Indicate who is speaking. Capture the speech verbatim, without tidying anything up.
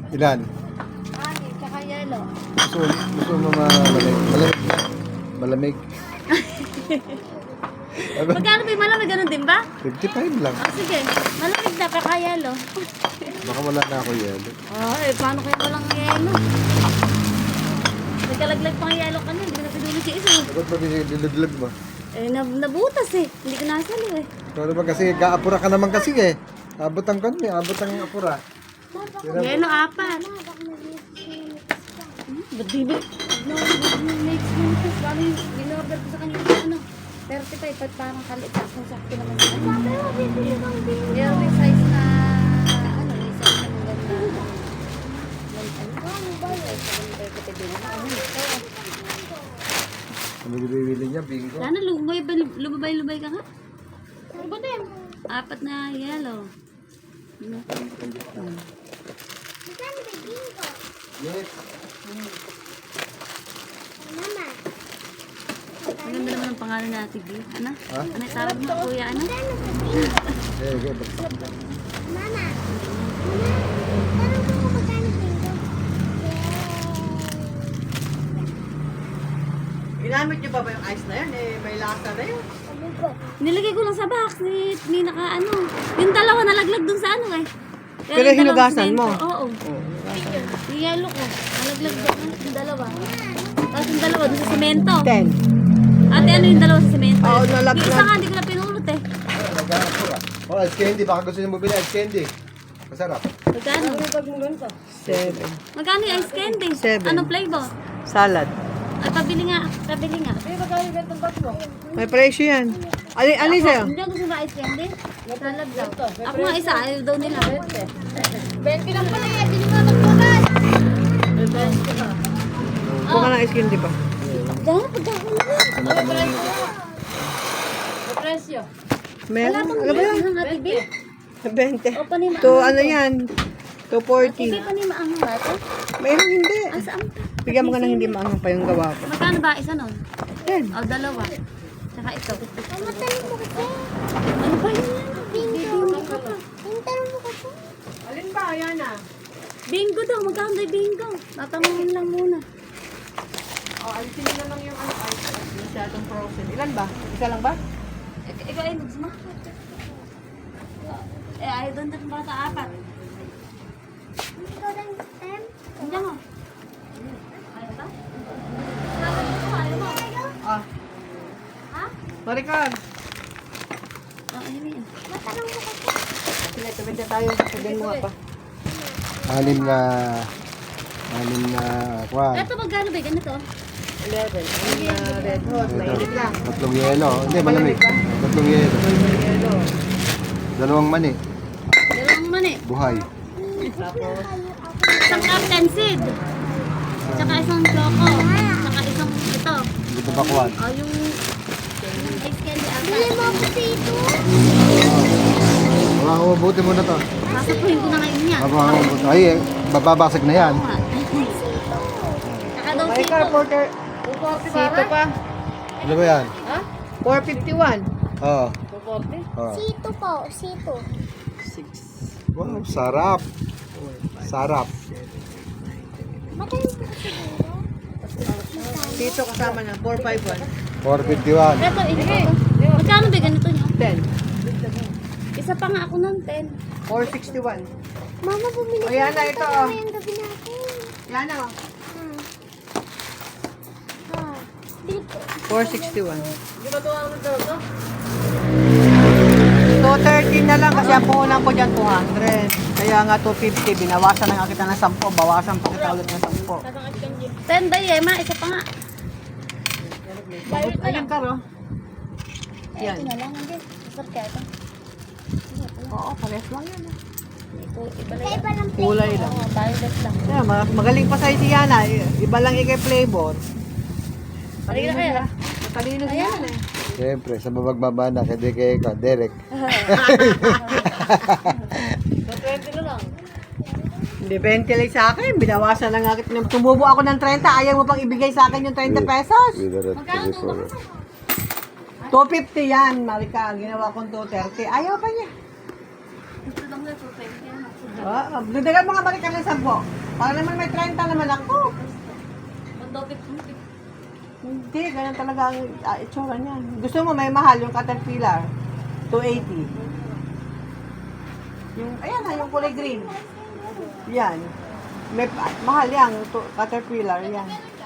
Speaker 1: Ilan?
Speaker 2: Ani, tsaka yellow.
Speaker 1: Gusto, gusto mo malamig? Malamig? Malamig?
Speaker 2: Magkano ba yung malamig? Ganun din ba?
Speaker 1: fifty-five lang.
Speaker 2: Ah, sige. Malamig na, tsaka yellow.
Speaker 1: Baka wala na ako yelo.
Speaker 2: Ah, eh, paano kayo walang yellow? Nagkalaglag pa ang yellow kanina, hindi ko na pinulit yung isa.
Speaker 1: Bakit ba dinilaglag mo?
Speaker 2: Eh, nab nabutas eh. Hindi ko nasalo eh.
Speaker 1: Ito naman kasi, kaapura ka naman kasi eh. Abot ang kan eh, abot ang apura.
Speaker 2: Yellow, apat. Hmm, ba't di ba? No, makes sense. Paano yung in-order ko sa kanya ano? thirty-five, ba't parang kalit sa kung sakto naman sa ano? Pero bibili kang bingo. Pero may size na, ano, may size na maganda. Ano ba yun?
Speaker 1: Ano bibili niya? Bingo?
Speaker 2: Sana lumabay, lumabay-lumabay ka nga. Ano ba din? Apat na yellow.
Speaker 1: Yes.
Speaker 2: Ang ganda naman ang pangalan natin, B. Ano?
Speaker 1: Ha?
Speaker 2: Ano yung tawag mo, kuya? Ano?
Speaker 1: Okay, okay.
Speaker 3: Mama, tanong ko kung magkano bingo.
Speaker 4: Ginamit niyo ba ba yung ice na yan? Eh, may lasa na yun.
Speaker 2: Nilagay ko lang sa box ni, ni naka ano. Yung dalawa nalaglag dun sa ano eh.
Speaker 4: Pero
Speaker 2: yung dalawang
Speaker 4: hinugasan
Speaker 2: semento,
Speaker 4: mo?
Speaker 2: Oo. Yung yellow ko. Nalaglag doon yung dalawa. Tapos yung dalawa dun sa semento.
Speaker 4: Ten.
Speaker 2: Ate, ano yung dalawa sa semento?
Speaker 4: Oo, nalaglag.
Speaker 2: Yung isa nga, hindi ko na pinulot eh.
Speaker 1: Nag-aapura. Oh, ice candy. Baka gusto niyo bumili ice candy. Masarap.
Speaker 2: Magkano?
Speaker 4: Seven.
Speaker 2: Magkano yung ice candy?
Speaker 4: Seven.
Speaker 2: Anong flavor?
Speaker 4: Salad.
Speaker 2: Ay, pabili nga. Pabili nga.
Speaker 4: May presyo yan. Alin, alin sa'yo?
Speaker 2: Hindi ako gusto na ice candy. Salad daw. Ako nga isa, ayaw daw nila. twenty lang pala yan. Hindi mo magbukas.
Speaker 4: Buka ng ice cream, di ba?
Speaker 2: Dahil pagkakaroon.
Speaker 4: Meron? Ano ba yan?
Speaker 2: Ang ate B.
Speaker 4: Twenty.
Speaker 2: O, panima.
Speaker 4: To ano yan? To forty.
Speaker 2: Hindi panima ang ate.
Speaker 4: Mayroon hindi.
Speaker 2: Ah, saan pa?
Speaker 4: Bigyan mo ka ng hindi maangang pa yung gawa ko.
Speaker 2: Magkano ba isa nun?
Speaker 4: Ten.
Speaker 2: O, dalawa. Tsaka ito.
Speaker 3: Mama, tanong mo kasi.
Speaker 2: Ano ba yun?
Speaker 3: Bingo. Yung tanong mo kasi.
Speaker 4: Alin ba? Yan ah.
Speaker 2: Bingo daw. Magkano daw yung bingo? Tatanungin lang muna.
Speaker 4: Oh, alisin nyo na lang yung ano, ice cream. Masyadong frozen. Ilan ba? Isa lang ba?
Speaker 2: Ik- Ikaw ay nugs mo? Eh, ayaw doon din bata apat.
Speaker 3: Ikaw rin, Tem.
Speaker 2: Hindi mo. Ayaw ba? Ayaw mo, ayaw mo.
Speaker 4: Ah.
Speaker 2: Ha?
Speaker 4: Marikan.
Speaker 2: Oh, ayun yun.
Speaker 3: Matanong mo kasi.
Speaker 4: Sige, tumid na tayo. Sabihin mo nga pa.
Speaker 1: Anim na... Anim na... Kwan.
Speaker 2: Ito magkano ba? Ganito.
Speaker 4: Eleven. Ayun na red hot. Mainit lang.
Speaker 1: Tatlong yelo. Hindi, malamig. Tatlong yelo.
Speaker 4: Yellow.
Speaker 1: Dalawang mani.
Speaker 2: Dalawang mani.
Speaker 1: Buhay.
Speaker 4: Tapos,
Speaker 2: Isang Captain Seed. Tsaka isang Choco. Tsaka isang ito.
Speaker 1: Dito ba kwan?
Speaker 2: O, yung... yung ice candy
Speaker 3: Bili mo
Speaker 2: apat.
Speaker 3: kasi ito.
Speaker 1: Mga mabuti mo na to.
Speaker 2: Sasapuhin ko na ngayon yan.
Speaker 1: Mga mabuti. Ay, eh, bababasag na yan.
Speaker 2: Oo nga. Tsaka daw
Speaker 4: Marikan,
Speaker 2: sito.
Speaker 4: porter. Sito pa.
Speaker 1: Ano ba yan?
Speaker 4: four fifty-one.
Speaker 1: Oo. Oo.
Speaker 3: Sito po, sito.
Speaker 4: six.
Speaker 1: Wow, sarap. Sarap.
Speaker 3: Matanong mo kasi bingo.
Speaker 4: Sito kasama na. four fifty-one.
Speaker 1: four fifty-one.
Speaker 2: Ito, ito. Magkano ba ganito nyo?
Speaker 4: ten.
Speaker 2: Isa pa nga ako ng ten.
Speaker 4: four sixty-one.
Speaker 3: Mama, bumili
Speaker 4: O, yan na,
Speaker 3: ng
Speaker 4: ito,
Speaker 3: pagkain
Speaker 4: oh.
Speaker 3: ngayong gabi natin.
Speaker 4: Yan na.
Speaker 3: Hmm. Ah. Bili ko.
Speaker 4: four sixty-one. two thirty na lang kasi ang puhunan ko dyan two hundred. Kaya nga two fifty. Binawasan na nga kita ng ten. Bawasan pa kita ulit ng ten.
Speaker 2: ten ba Yema? Isa pa nga.
Speaker 4: Ayun ka, ro? Yan.
Speaker 2: Ito na lang. Hindi. Isap kaya ito.
Speaker 4: Oo, pares lang yan. ah.
Speaker 2: Ito, iba lang.
Speaker 3: Kaiba lang plate.
Speaker 4: Kulay lang.
Speaker 2: Oo, violet lang.
Speaker 4: Yeah, ma- magaling pa sa'yo si Yana. I- Iba lang ikay flavor.
Speaker 2: Halika na kaya.
Speaker 4: Matalino si Yana eh.
Speaker 1: Siyempre, sa mabagbaba na, kaya kay ka, Derek.
Speaker 2: twenty na lang.
Speaker 4: Hindi, twenty lang sa akin. Binawasan na nga kita. Tumubo ako ng thirty. Ayaw mo pang ibigay sa akin yung thirty pesos.
Speaker 2: Magkano to ba?
Speaker 4: two fifty yan, Marika. Ginawa kong two thirty. Ayaw pa niya.
Speaker 2: Ito lang na two twenty.
Speaker 4: Ah, dagdagan mo nga balik ka ng sampo. Para naman may thirty naman ako.
Speaker 2: Mandopit mo.
Speaker 4: Hindi, ganyan talaga ang uh, itsura niyan. Gusto mo may mahal yung Caterpillar? two eighty. Yung, ayan na, yung kulay green. Yan. May, mahal yan, to, Caterpillar, yan.